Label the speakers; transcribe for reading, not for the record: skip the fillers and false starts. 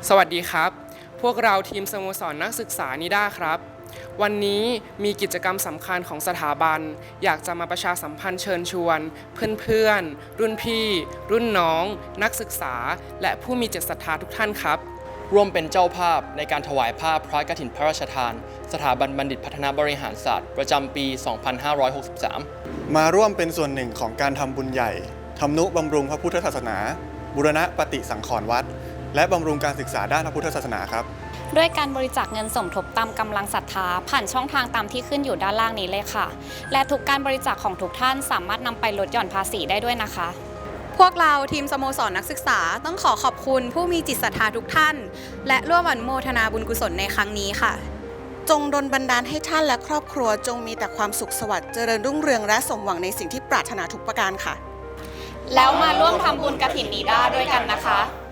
Speaker 1: สวัสดีครับพวกเราทีมสโมสรนักศึกษานิด้าครับวันนี้มีกิจกรรมสำคัญของสถาบันอยากจะมาประชาสัมพันธ์เชิญชวนเพื่อนๆรุ่นพี่รุ่นน้องนักศึกษาและผู้มีจิตศรัทธาทุกท่านครับ
Speaker 2: ร่วมเป็นเจ้าภาพในการถวายผ้าพระกฐินพระราชทานสถาบันบัณฑิตพัฒนาบริหารศาสตร์ประจำปี 2563
Speaker 3: มาร่วมเป็นส่วนหนึ่งของการทำบุญใหญ่ทำนุบำรุงพระพุทธศาสนาบูรณะปฏิสังขรณ์วัดและบำรุงการศึกษาด้านพระพุทธศาสนาครับ
Speaker 4: ด้วยการบริจาคเงินสมทบตามกำลังศรัทธาผ่านช่องทางตามที่ขึ้นอยู่ด้านล่างนี้เลยค่ะและทุกการบริจาคของทุกท่านสามารถนำไปลดหย่อนภาษีได้ด้วยนะคะ
Speaker 5: พวกเราทีมสโมสรนักศึกษาต้องขอขอบคุณผู้มีจิตศรัทธาทุกท่านและร่วมอนุโมทนาบุญกุศลในครั้งนี้ค่ะ
Speaker 6: จงดลบันดาลให้ท่านและครอบครัวจงมีแต่ความสุขสวัสดิ์เจริญรุ่งเรืองและสมหวังในสิ่งที่ปรารถนาทุกประการค่ะ
Speaker 4: แล้วมาร่วมทำบุญกฐินนิด้าด้วยกันนะคะ